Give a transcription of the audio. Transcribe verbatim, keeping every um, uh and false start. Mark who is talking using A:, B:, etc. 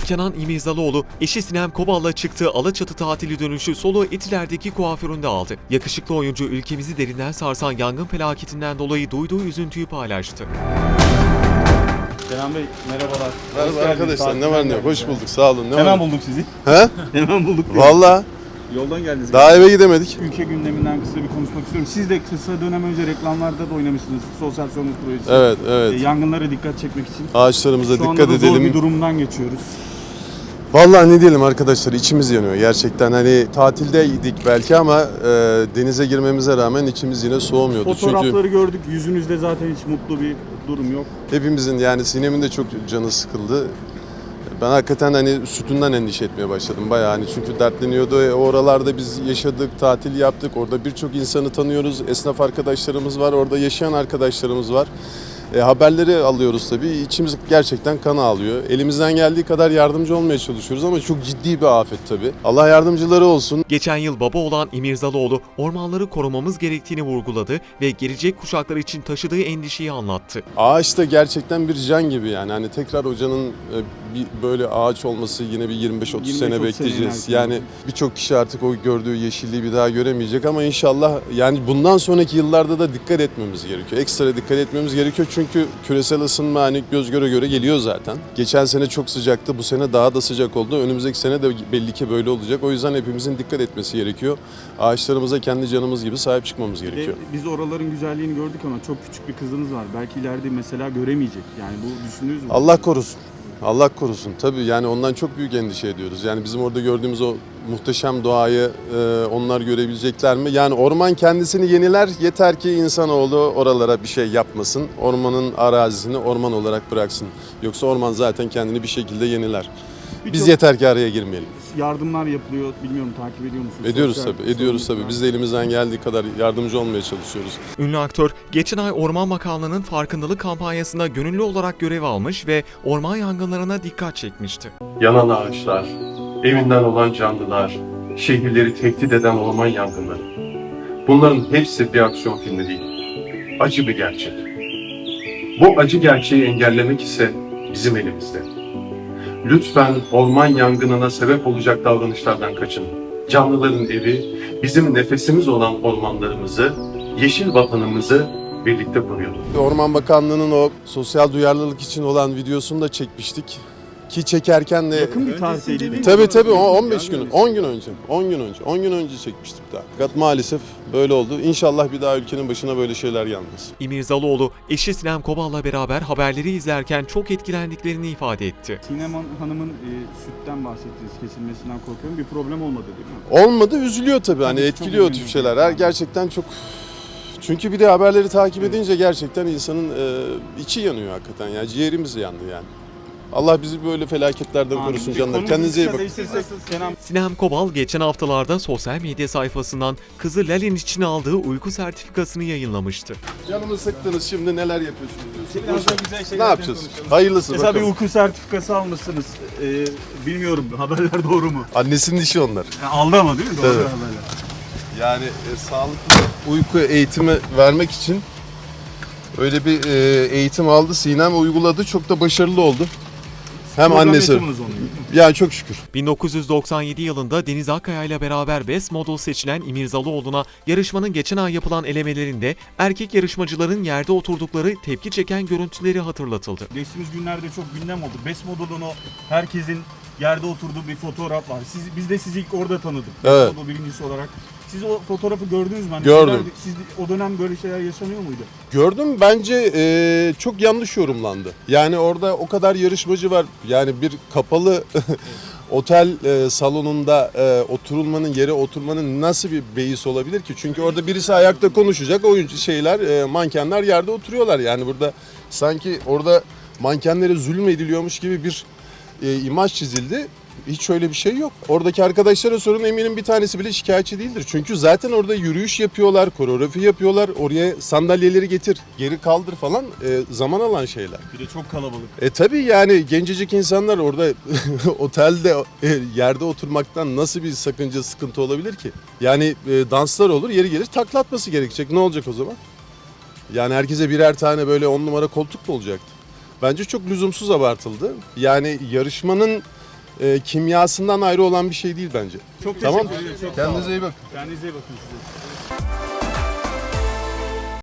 A: Kenan İmirzalıoğlu, eşi Sinem Kobal'la çıktığı Alaçatı tatili dönüşü soluğu Etiler'deki kuaföründe aldı. Yakışıklı oyuncu ülkemizi derinden sarsan yangın felaketinden dolayı duyduğu üzüntüyü paylaştı.
B: Kenan Bey merhabalar.
C: Merhaba arkadaşlar, ne var ne yok, hoş bulduk, sağ olun. Ne
B: Hemen
C: var?
B: bulduk sizi.
C: He?
B: Hemen bulduk.
C: Valla
B: Yoldan geldiniz.
C: daha eve gidemedik.
B: Ülke gündeminden kısa bir konuşmak istiyorum. Siz de kısa dönem önce reklamlarda da oynamışsınız. Sosyal sorumluluk projesi.
C: Evet, evet.
B: E, yangınlara dikkat çekmek için.
C: Ağaçlarımıza
B: Şu anda
C: dikkat
B: da zor
C: edelim.
B: bir durumdan geçiyoruz.
C: Vallahi ne diyelim arkadaşlar, içimiz yanıyor gerçekten. Hani tatildeydik belki ama e, denize girmemize rağmen içimiz yine soğumuyordu.
B: Fotoğrafları
C: Çünkü
B: gördük. Yüzünüzde zaten hiç mutlu bir durum yok.
C: hepimizin, yani Sinem'in de çok canı sıkıldı. Ben hakikaten hani sütünden endişe etmeye başladım bayağı, hani çünkü dertleniyordu. E, oralarda biz yaşadık, tatil yaptık. Orada birçok insanı tanıyoruz. Esnaf arkadaşlarımız var, orada yaşayan arkadaşlarımız var. E, haberleri alıyoruz tabii. İçimiz gerçekten kan ağlıyor. Elimizden geldiği kadar yardımcı olmaya çalışıyoruz ama çok ciddi bir afet tabii. Allah yardımcıları olsun.
A: Geçen yıl baba olan İmirzalıoğlu, ormanları korumamız gerektiğini vurguladı ve gelecek kuşaklar için taşıdığı endişeyi anlattı.
C: Ağaç da gerçekten bir can gibi yani. Hani tekrar hocanın e, bir böyle ağaç olması yine bir yirmi beş otuz sene bekleyeceğiz.
B: sene
C: Yani birçok kişi artık o gördüğü yeşilliği bir daha göremeyecek ama inşallah yani bundan sonraki yıllarda da dikkat etmemiz gerekiyor. Ekstra dikkat etmemiz gerekiyor çünkü küresel ısınma hani göz göre göre geliyor zaten. Geçen sene çok sıcaktı, bu sene daha da sıcak oldu. Önümüzdeki sene de belli ki böyle olacak. O yüzden hepimizin dikkat etmesi gerekiyor. Ağaçlarımıza kendi canımız gibi sahip çıkmamız gerekiyor.
B: E, biz oraların güzelliğini gördük ama çok küçük bir kızınız var. Belki ileride mesela göremeyecek. Yani bu düşündünüz mü?
C: Allah korusun. Allah korusun. Tabii yani ondan çok büyük endişe ediyoruz. Yani bizim orada gördüğümüz o muhteşem doğayı e, onlar görebilecekler mi? Yani orman kendisini yeniler. Yeter ki insanoğlu oralara bir şey yapmasın. Ormanın arazisini orman olarak bıraksın. Yoksa orman zaten kendini bir şekilde yeniler. Biz
B: Birçok
C: yeter ki araya girmeyelim.
B: yardımlar yapılıyor. Bilmiyorum, takip ediyor musunuz?
C: Ediyoruz
B: Sosyal
C: tabii, ediyoruz
B: sorumluluklar.
C: tabii. Biz de elimizden geldiği kadar yardımcı olmaya çalışıyoruz.
A: Ünlü aktör, geçen ay Orman Bakanlığı'nın farkındalık kampanyasında gönüllü olarak görev almış ve orman yangınlarına dikkat çekmişti.
D: Yanan ağaçlar, evinden olan canlılar, şehirleri tehdit eden orman yangınları. Bunların hepsi bir aksiyon filmi değil. Acı bir gerçek. Bu acı gerçeği engellemek ise bizim elimizde. Lütfen orman yangınına sebep olacak davranışlardan kaçının. Canlıların evi, bizim nefesimiz olan ormanlarımızı, yeşil vatanımızı birlikte koruyalım.
C: Orman Bakanlığı'nın o sosyal duyarlılık için olan videosunu da çekmiştik. Ki çekerken de
B: Yakın bir tarihteydi değil mi?
C: tabii tabii o on beş gün, on gün önce, on gün önce, on gün önce çekmiştik daha. Fakat maalesef böyle oldu. İnşallah bir daha ülkenin başına böyle şeyler gelmez.
A: İmirzalıoğlu, eşi Sinem Kobal'la beraber haberleri izlerken çok etkilendiklerini ifade etti.
B: Sinem Hanım'ın e, sütten bahsettiniz, kesilmesinden korkuyorum. Bir problem olmadı değil mi?
C: Olmadı, üzülüyor tabii. Hani
B: Tabii,
C: etkiliyor o
B: çok
C: tip
B: üzülüyor.
C: şeyler. Her gerçekten çok. Çünkü bir de haberleri takip edince gerçekten insanın e, içi yanıyor hakikaten. Yani ciğerimiz yandı yani. Allah bizi böyle felaketlerden korusun canlar. Kendinize iyi bakın.
B: Kenan
A: Sinem Kobal geçen haftalarda sosyal medya sayfasından kızı Lalin için aldığı uyku sertifikasını yayınlamıştı.
C: Canımı sıktınız, şimdi neler yapıyorsunuz diyorsun.
B: Biraz daha güzel
C: Ne
B: şeyler
C: yapacağız?
B: konuşalım.
C: Hayırlısı
B: Mesela bir
C: bakalım.
B: uyku sertifikası almışsınız. Ee, bilmiyorum, haberler doğru mu?
C: Annesinin işi onlar.
B: Yani aldı ama değil mi? Doğru
C: Evet.
B: haberler.
C: Yani e, sağlıklı uyku eğitimi vermek için öyle bir e, eğitim aldı. Sinem uyguladı. Çok da başarılı oldu. Hem
B: Program
C: annesi.
B: yaşamınız onu.
C: Yani çok şükür.
A: bin dokuz yüz doksan yedi yılında Deniz Akkaya ile beraber Best Model seçilen İmirzalıoğlu'na yarışmanın geçen ay yapılan elemelerinde erkek yarışmacıların yerde oturdukları tepki çeken görüntüleri hatırlatıldı.
B: Geçtiğimiz günlerde çok gündem oldu. Best Model'ın o herkesin yerde oturduğu bir fotoğraf var. Siz, biz de sizi ilk orada tanıdık.
C: Evet.
B: Best Model birincisi olarak. Siz o fotoğrafı gördünüz mü? Hani
C: Gördüm.
B: şeyler- siz o dönem böyle şeyler yaşanıyor muydu?
C: Gördüm, bence e, çok yanlış yorumlandı. Yani orada o kadar yarışmacı var. Yani bir kapalı otel e, salonunda e, oturulmanın, yere oturmanın nasıl bir beis olabilir ki? Çünkü orada birisi ayakta konuşacak, oyuncu şeyler, e, mankenler yerde oturuyorlar. Yani burada sanki orada mankenlere zulmediliyormuş gibi bir e, imaj çizildi. Hiç öyle bir şey yok. Oradaki arkadaşlara sorun, eminim bir tanesi bile şikayetçi değildir. Çünkü zaten orada yürüyüş yapıyorlar, koreografi yapıyorlar. Oraya sandalyeleri getir, geri kaldır falan e, zaman alan şeyler.
B: Bir de çok kalabalık.
C: E tabii yani gencecik insanlar orada otelde e, yerde oturmaktan nasıl bir sakınca, sıkıntı olabilir ki? Yani e, danslar olur, yeri gelir takla atması gerekecek. Ne olacak o zaman? Yani herkese birer tane böyle on numara koltuk mu olacaktı? Bence çok lüzumsuz abartıldı. Yani yarışmanın e, kimyasından ayrı olan bir şey değil bence.
B: Çok teşekkür
C: Tamam.
B: ederim. Çok sağ olun.
C: Kendinize iyi bakın.
B: Kendinize iyi bakın size.